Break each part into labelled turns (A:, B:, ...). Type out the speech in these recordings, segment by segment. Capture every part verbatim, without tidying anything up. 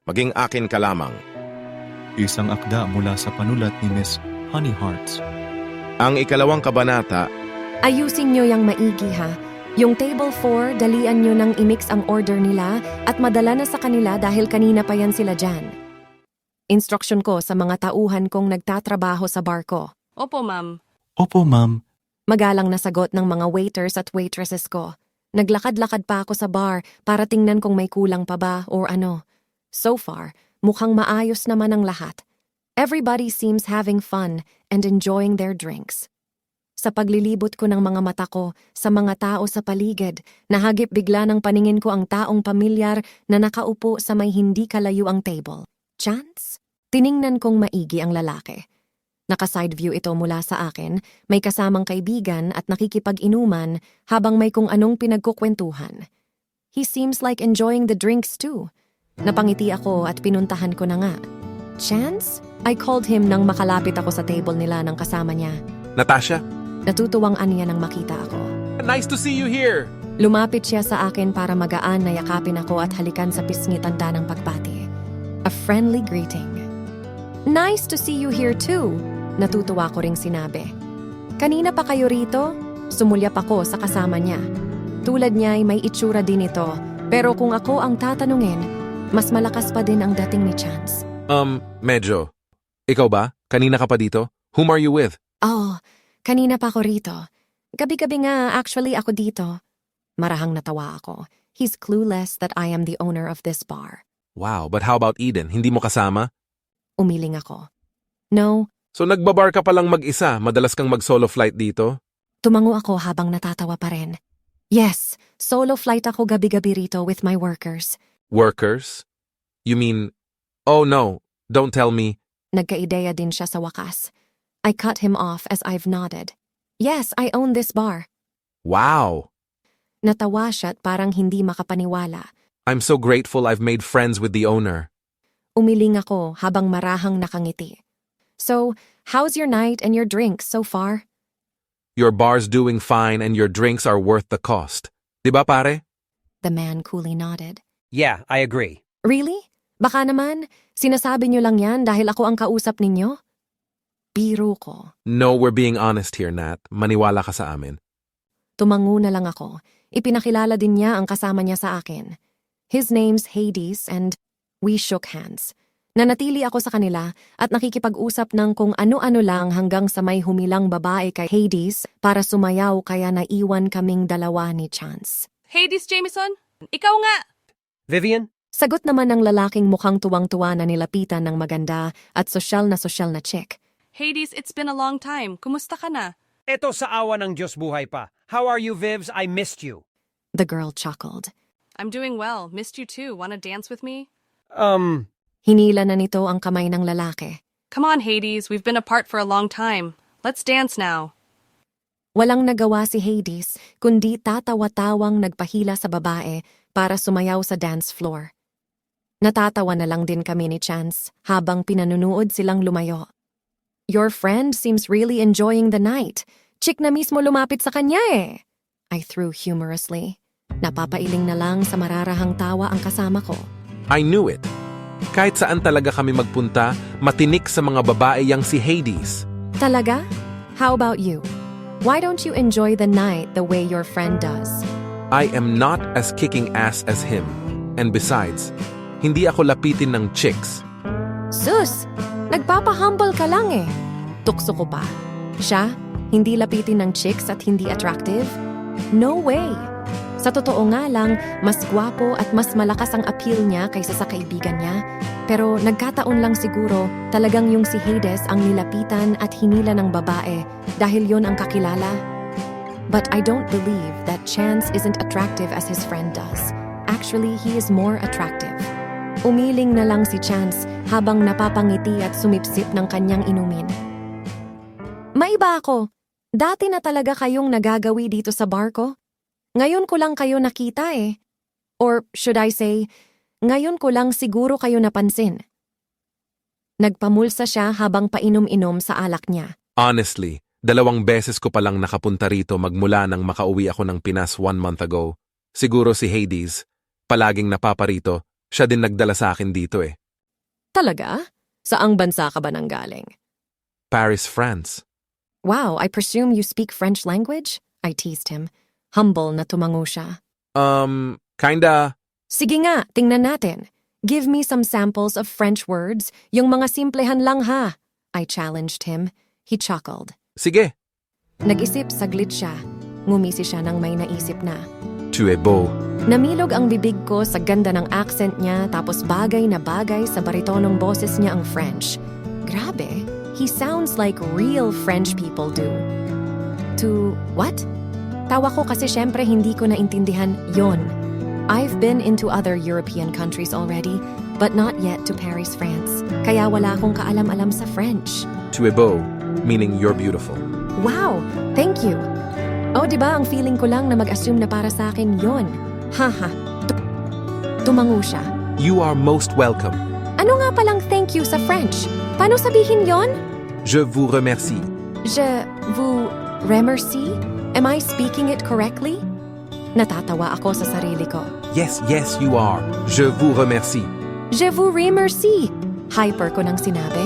A: Maging akin ka lamang.
B: Isang akda mula sa panulat ni Miss Honey Hearts.
A: Ang ikalawang kabanata,
C: Ayusin nyo yang maigi ha. Yung table four, dalian nyo nang imix ang order nila at madala na sa kanila dahil kanina pa yan sila dyan. Instruction ko sa mga tauhan kong nagtatrabaho sa barko.
D: Opo, ma'am.
B: Opo, ma'am.
C: Magalang na sagot ng mga waiters at waitresses ko. Naglakad-lakad pa ako sa bar para tingnan kung may kulang pa ba or ano. So far, mukhang maayos naman ang lahat. Everybody seems having fun and enjoying their drinks. Sa paglilibot ko ng mga mata ko sa mga tao sa paligid, nahagip bigla ng paningin ko ang taong pamilyar na nakaupo sa may hindi kalayo ang table. Chance? Tiningnan kong maigi ang lalaki. Naka-side view ito mula sa akin, may kasamang kaibigan at nakikipag-inuman habang may kung anong pinagkukwentuhan. He seems like enjoying the drinks too. Napangiti ako at pinuntahan ko na nga. Chance? I called him nang makalapit ako sa table nila ng kasama niya.
A: Natasha,
C: Natutuwang aniya nang makita ako.
A: nice to see you here!
C: Lumapit siya sa akin para magaan na yakapin ako at halikan sa pisngi tanda ng pagpati. A friendly greeting. Nice to see you here too, natutuwa ko ring sinabi. Kanina pa kayo rito? Sumulyap ako sa kasama niya. Tulad niya ay may itsura din ito, pero kung ako ang tatanungin, mas malakas pa din ang dating ni Chance.
A: Um, medyo. Ikaw ba? Kanina ka pa dito? Whom are you with?
C: Oh, kanina pa ako rito. Gabi-gabi nga actually ako dito. Marahang natawa ako. He's clueless that I am the owner of this bar.
A: Wow, but how about Eden? Hindi mo kasama?
C: Umiling ako. No,
A: So nagbabar ka palang mag-isa, madalas kang mag-solo flight dito?
C: tumango ako habang natatawa pa rin. Yes, solo flight ako gabi-gabi rito with my workers.
A: Workers? You mean, oh no, don't tell me.
C: Nagkaideya din siya sa wakas. I cut him off as I've nodded. Yes, I own this bar.
A: Wow!
C: Natawa siya at parang hindi makapaniwala.
A: I'm so grateful I've made friends with the owner.
C: Umiling ako habang marahang nakangiti. So, how's your night and your drinks so far?
A: Your bar's doing fine and your drinks are worth the cost. Di ba pare?
C: The man coolly nodded.
E: Yeah, I agree.
C: Really? Baka naman, sinasabi niyo lang yan dahil ako ang kausap ninyo? Biro ko.
A: No, we're being honest here, Nat. Maniwala ka sa amin.
C: Tumango na lang ako. Ipinakilala din niya ang kasama niya sa akin. His name's Hades and we shook hands. Nanatili ako sa kanila at nakikipag-usap ng kung ano-ano lang hanggang sa may humilang babae kay Hades para sumayaw kaya naiwan kaming dalawa ni Chance.
D: Hades Jameson, ikaw nga!
E: Vivian?
C: Sagot naman ng lalaking mukhang tuwang-tuwa na nilapitan ng maganda at sosyal na sosyal na chick.
D: Hades, it's been a long time. Kumusta ka na?
E: Eto sa awa ng Diyos buhay pa. How are you, Vivs? I missed you.
C: The girl chuckled.
D: I'm doing well. Missed you too. Wanna dance with me?
E: Um,
C: Hinila na nito ang kamay ng lalaki.
D: Come on, Hades. We've been apart for a long time. Let's dance now.
C: Walang nagawa si Hades kundi tatawa-tawang nagpahila sa babae para sumayaw sa dance floor. Natatawa na lang din kami ni Chance habang pinanunood silang lumayo. Your friend seems really enjoying the night. Chick na mismo lumapit sa kanya eh. I threw humorously. Napapailing na lang sa mararahang tawa ang kasama ko.
A: I knew it. Kahit saan talaga kami magpunta, matinik sa mga babae yang si Hades.
C: Talaga? How about you? Why don't you enjoy the night the way your friend does?
A: I am not as kicking ass as him. And besides, hindi ako lapitin ng chicks.
C: Sus! Nagpapahumble ka lang eh. Tukso ko pa. Siya, hindi lapitin ng chicks at hindi attractive? No way! Sa totoo nga lang, mas gwapo at mas malakas ang appeal niya kaysa sa kaibigan niya. Pero nagkataon lang siguro talagang yung si Hades ang nilapitan at hinila ng babae dahil yon ang kakilala. But I don't believe that Chance isn't attractive as his friend does. Actually, he is more attractive. Umiling na lang si Chance habang napapangiti at sumipsip ng kanyang inumin. Maiba ako. Dati na talaga kayong nagagawi dito sa barko? Ngayon ko lang kayo nakita eh. Or should I say, ngayon ko lang siguro kayo napansin. Nagpamulsa siya habang painom-inom sa alak niya.
A: Honestly, dalawang beses ko palang nakapunta rito magmula nang makauwi ako ng Pinas one month ago. Siguro si Hades, palaging napaparito, Siya din nagdala sa akin dito eh.
C: Talaga? Saang bansa ka ba nanggaling?
A: Paris, France.
C: Wow, I presume you speak French language? I teased him. Humble na tumango siya.
A: Um, kinda...
C: Sige nga, tingnan natin. Give me some samples of French words, yung mga simplehan lang ha. I challenged him. He chuckled.
A: Sige.
C: Nag-isip saglit siya. Ngumisi siya nang may naisip na.
A: Tu es beau.
C: Namilog ang bibig ko sa ganda ng accent niya tapos bagay na bagay sa baritonong boses niya ang French. Grabe, he sounds like real French people do. To what? Tawa ko kasi syempre hindi ko naintindihan yon. I've been into other European countries already, but not yet to Paris, France. Kaya wala akong kaalam-alam sa French.
A: Tu es beau, meaning you're beautiful.
C: Wow, thank you. Oh, di ba ang feeling ko lang na mag-assume na para sa akin yon. Haha. Tu- Tumango siya.
A: You are most welcome.
C: Ano nga palang thank you sa French? Paano sabihin yon?
A: Je vous remercie.
C: Je vous remercie? Am I speaking it correctly? Natatawa ako sa sarili ko.
A: Yes, yes, you are. Je vous remercie.
C: Je vous remercie. Hyper ko nang sinabi.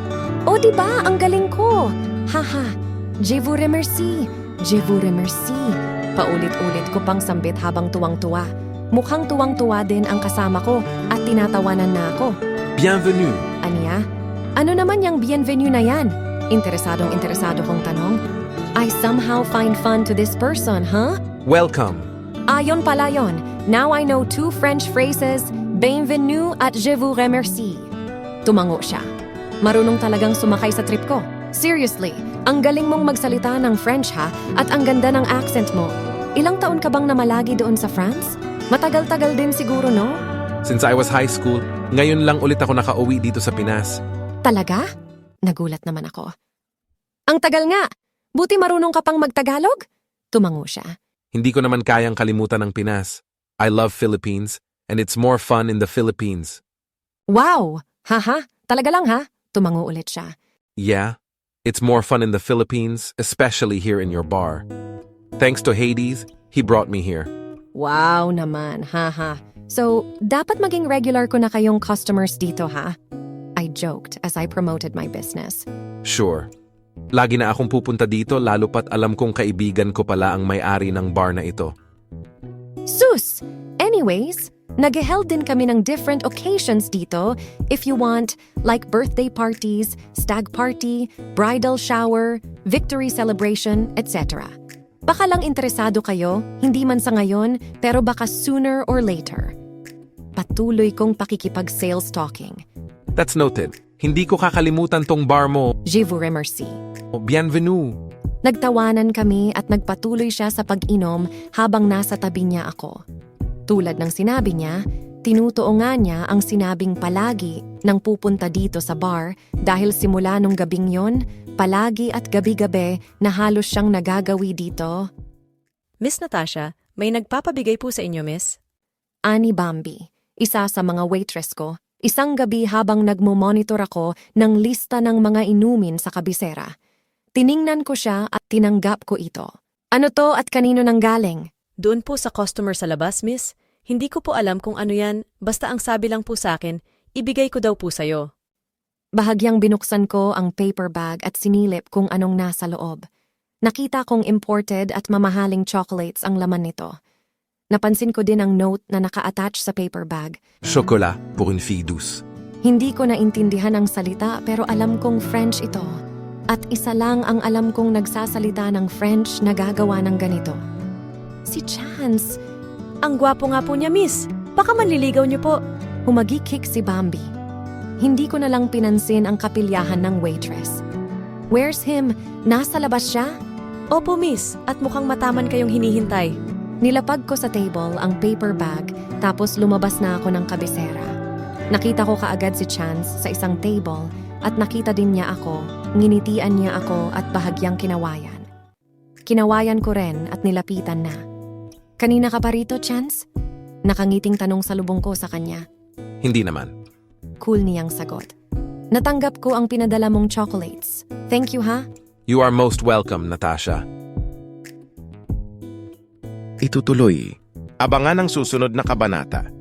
C: O di ba ang galing ko? Haha. Je vous remercie. Je vous remercie. Paulit-ulit ko pang sambit habang tuwang-tuwa. Mukhang tuwang-tuwa din ang kasama ko at tinatawanan na ako.
A: Bienvenue.
C: Aniya? Ano naman yung bienvenue na yan? Interesadong interesado kong tanong. I somehow find fun to this person, huh?
A: Welcome.
C: Ayon pala yon. Now I know two French phrases, bienvenue at je vous remercie. Tumango siya. Marunong talagang sumakay sa trip ko. Seriously, ang galing mong magsalita ng French ha at ang ganda ng accent mo. Ilang taon ka bang namalagi doon sa France? Matagal-tagal din siguro, no?
A: Since I was high school, ngayon lang ulit ako nakauwi dito sa Pinas.
C: Talaga? Nagulat naman ako. Ang tagal nga! Buti marunong ka pang magtagalog? Tumango siya.
A: Hindi ko naman kayang kalimutan ang Pinas. I love Philippines, and it's more fun in the Philippines.
C: Wow! Haha, talaga lang ha? Tumango ulit siya.
A: Yeah, it's more fun in the Philippines, especially here in your bar. Thanks to Hades, he brought me here.
C: Wow naman, haha. So, dapat maging regular ko na kayong customers dito ha? I joked as I promoted my business.
A: Sure. Lagi na akong pupunta dito lalo pat alam kong kaibigan ko pala ang may-ari ng bar na ito.
C: Sus! Anyways, nag-held din kami ng different occasions dito if you want, like birthday parties, stag party, bridal shower, victory celebration, et cetera. Baka lang interesado kayo, hindi man sa ngayon, pero baka sooner or later. Patuloy kong pakikipag-sales talking.
A: That's noted. Hindi ko kakalimutan tong bar mo.
C: Je vous remercie.
A: Bienvenue.
C: Nagtawanan kami at nagpatuloy siya sa pag-inom habang nasa tabi niya ako. Tulad ng sinabi niya, tinutuo nga niya ang sinabing palagi nang pupunta dito sa bar dahil simula nung gabing yon, palagi at gabi-gabi na halos siyang nagagawi dito.
F: Miss Natasha, may nagpapabigay po sa inyo, miss?
C: Ani Bambi, isa sa mga waitress ko, isang gabi habang nagmo-monitor ako ng lista ng mga inumin sa kabisera. Tiningnan ko siya at tinanggap ko ito. Ano to at kanino nang galing?
F: Doon po sa customer sa labas, miss. Hindi ko po alam kung ano yan, basta ang sabi lang po sa akin, ibigay ko daw po sa'yo.
C: Bahagyang binuksan ko ang paper bag at sinilip kung anong nasa loob. Nakita kong imported at mamahaling chocolates ang laman nito. Napansin ko din ang note na naka-attach sa paper bag.
A: Chocolat pour une fille douce.
C: Hindi ko naintindihan ang salita pero alam kong French ito. At isa lang ang alam kong nagsasalita ng French na gagawa ng ganito. Si Chance.
F: Ang gwapo nga po niya, miss. Baka manliligaw niyo po.
C: Humagikik si Bambi. Hindi ko na lang pinansin ang kapilyahan ng waitress. Where's him? Nasa labas siya?
F: Opo, miss. At mukhang mataman kayong hinihintay.
C: Nilapag ko sa table ang paper bag tapos lumabas na ako ng kabisera. Nakita ko kaagad si Chance sa isang table at nakita din niya ako, nginitian niya ako at bahagyang kinawayan. Kinawayan ko rin at nilapitan na. Kanina ka pa rito, Chance? Nakangiting tanong sa lubong ko sa kanya.
A: Hindi naman.
C: Cool niyang sagot. Natanggap ko ang pinadala mong chocolates. Thank you ha?
A: You are most welcome, Natasha.
G: Itutuloy. Abangan ang susunod na kabanata.